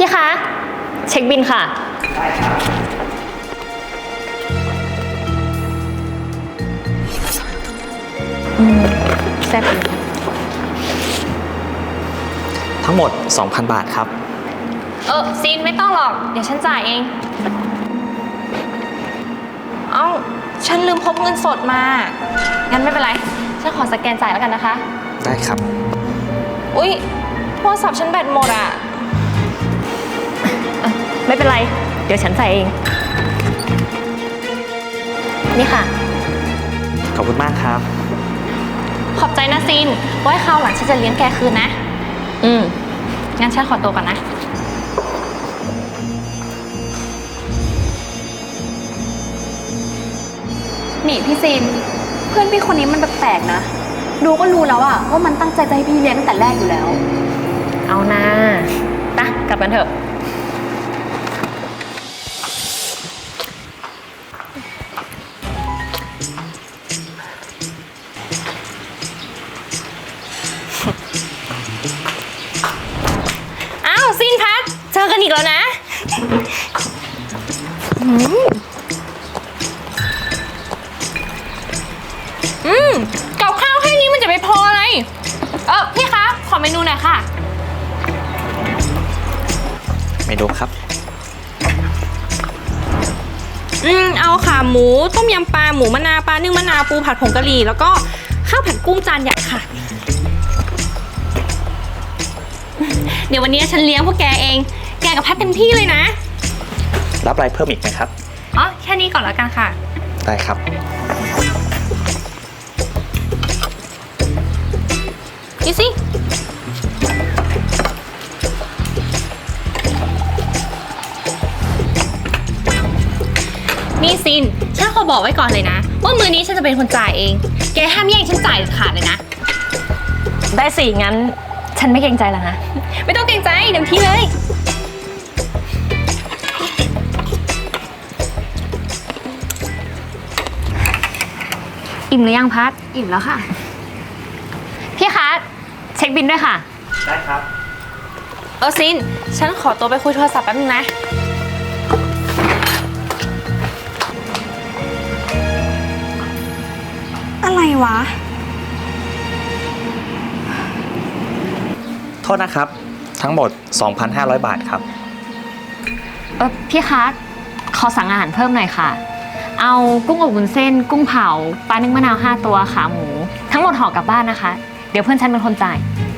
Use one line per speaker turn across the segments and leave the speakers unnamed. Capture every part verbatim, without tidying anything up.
พี่คะเช็คบินค่ะได้ครับอืมแซ่บเลย
ทั้งหมด สองพัน บาทครับ
เออซีนไม่ต้องหรอกเดี๋ยวฉันจ่ายเองเอ้าฉันลืมพกเงินสดมางั้นไม่เป็นไรฉันขอสแกนจ่ายแล้วกันนะคะ
ได้ครับ
อุ๊ยโทรศัพท์ฉันแบตหมดอ่ะไม่เป็นไรเดี๋ยวฉันจ่ายเองนี่ค่ะ
ขอบคุณมากครับ
ขอบใจนะซีนไว้คราวหลังฉันจะเลี้ยงแกคืนนะอืมงั้นฉันขอตัวก่อนนะ
นี่พี่ซีนเพื่อนพี่คนนี้มันแปลกๆนะดูก็รู้แล้วอะว่ามันตั้งใจจะให้พี่เลี้ยงตั้งแต่แรกอยู่แล้ว
เอานะไปกลับกันเถอะอ้าวซินพัดเจอกันอีกแล้วนะอืมกับข้าวแค่นี้มันจะไปพออะไรเออพี่คะขอเมนูหน่อยค่ะ
เมนูครับ
อืมเอาขาหมูต้มยำปลาหมูมะนาวปลานึ่งมะนาวปูผัดผงกะหรี่แล้วก็ข้าวผัดกุ้งจานใหญ่ค่ะเดี๋ยววันนี้ฉันเลี้ยงพวกแกเองแกกับพัดเต็มที่เลยนะ
รับอะไรเพิ่มอีกไหมครับ
อ๋อแค่นี้ก่อนแล้วกันค่ะ
ได้ครับ
ดูสินี่ซินฉันขอบอกไว้ก่อนเลยนะว่ามื้อนี้ฉันจะเป็นคนจ่ายเองแกห้ามแย่งฉันจ่ายขาดเลยนะได้สิงั้นฉันไม่เกรงใจแล้วนะไม่ต้องเกรงใจเต็มที่เลยอิ่มหรือยังพัด
อิ่มแล้วค่ะ
พี่คะเช็คบินด้วยค่ะ
ได้ครับ
เออซินฉันขอตัวไปคุยโทรศัพท์แป๊บนึงนะ
อะไรวะ
โทษนะครับทั้งหมด สองพันห้าร้อย บาทครับ
เออพี่คะขอสั่งอาหารเพิ่มหน่อยค่ะเอากุ้งอบวุ้นเส้นกุ้งเผาปลานึ่งมะนาวห้าตัวขาหมูทั้งหมดห่อกลับบ้านนะคะเดี๋ยวเพื่อนฉันเป็นคนจ่าย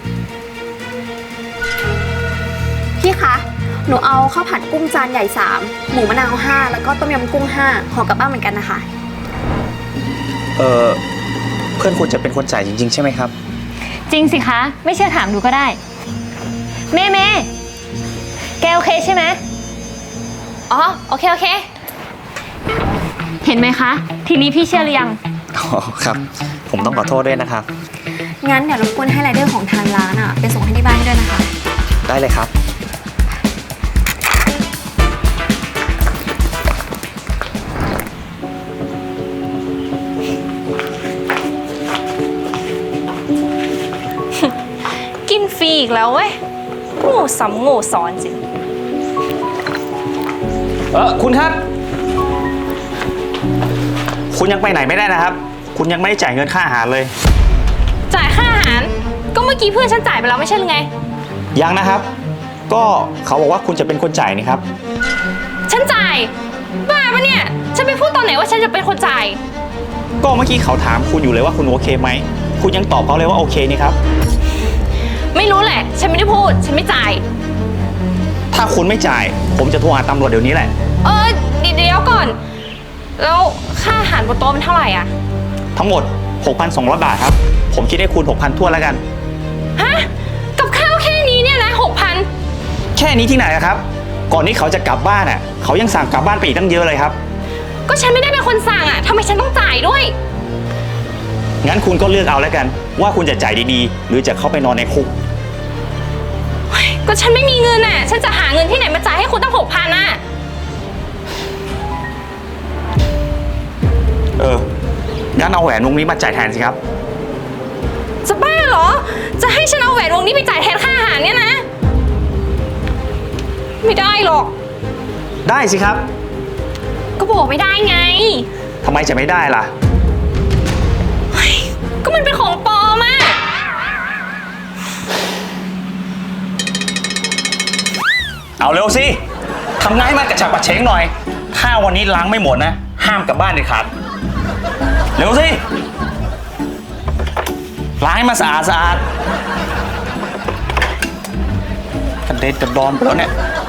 พี่คะหนูเอาข้าวผัดกุ้งจานใหญ่สามหมูมะนาวห้าแล้วก็ต้มยำกุ้งห้าห่อกลับบ้านเหมือนกันนะคะ
เออเพื่อนคุณจะเป็นคนจ่ายจริงๆใช่ไหมครับ
จริงสิคะไม่เชื่อถามดูก็ได้เมย์เมย์แกโอเคใช่ไหมอ๋อโอเคโอเคเห็นไหมคะทีนี้พี่เชื่อหรือยัง
อ๋อครับผมต้องขอโทษด้วยนะครับ
งั้นเดี๋ยวรบกวนให้ไรเดอร์ของทางร้านอ่ะไปส่งให้ที่บ้านด้วยนะคะ
ได้เลยครับ
กินฟรีอีกแล้วเว้ยโง่สำโง่สอนจริง
เออคุณครับคุณยังไปไหนไม่ได้นะครับคุณยังไม่ได้จ่ายเงินค่าอาหารเลย
จ่ายค่าอาหารก็เมื่อกี้เพื่อนฉันจ่ายไปแล้วไม่ใช่หรือไง
ยังนะครับก็เขาบอกว่าคุณจะเป็นคนจ่ายนี่ครับ
ฉันจ่ายบ้าปะเนี่ยฉันไปพูดตอนไหนว่าฉันจะเป็นคนจ่าย
ก็เมื่อกี้เขาถามคุณอยู่เลยว่าคุณโอเคไหมคุณยังตอบเขาเลยว่าโอเคนี่ครับ
ไม่รู้แหละฉันไม่ได้พูดฉันไม่จ่าย
ถ้าคุณไม่จ่ายผมจะโทรหาตำรวจเดี๋ยวนี้แหละ
เออเดี๋ยวก่อนแล้วค่าอาหารบนโต๊ะมันเท่าไหร่อ่ะ
ทั้งหมด หกพันสองร้อย บาทครับผมคิดให้คุณ หกพัน ทั่วแล้วกัน
ฮะกับข้าวแค่นี้เนี่ยนะ หกพัน
แค่นี้ที่ไหนครับก่อนที่เขาจะกลับบ้านอ่ะเขายังสั่งกลับบ้านไปอีกตั้งเยอะเลยครับ
ก็ฉันไม่ได้เป็นคนสั่งอ่ะทำไมฉันต้องจ่ายด้วย
งั้นคุณก็เลือกเอาแล้วกันว่าคุณจะจ่ายดีๆหรือจะเข้าไปนอนในคุก
ก็ฉันไม่มีเงินอ่ะฉันจะหาเงินที่ไหนมาจ่ายให้คุณตั้ง หกพัน อ่ะ
เอองั้นเอาแหวนวงนี้มาจ่ายแทนสิครับ
จะบ้าเหรอจะให้ฉันเอาแหวนวงนี้ไปจ่ายแทนค่าอาหารเนี่ยนะไม่ได้หรอก
ได้สิครับ
ก็บอกไม่ได้ไง
ทำไมจะไม่ได้ล่ะ
ก็มันเป็นของปลอมอะ
เอาเร็วสิทำง่ายมากกระฉับกระเฉงหน่อย ถ้าวันนี้ล้างไม่หมดนะ ห้ามกลับบ้านเด็ดขาดเร็วสิล้างให้มันสะอาดสะอาดกระเด็นกระดอนไปแล้วเนี่ย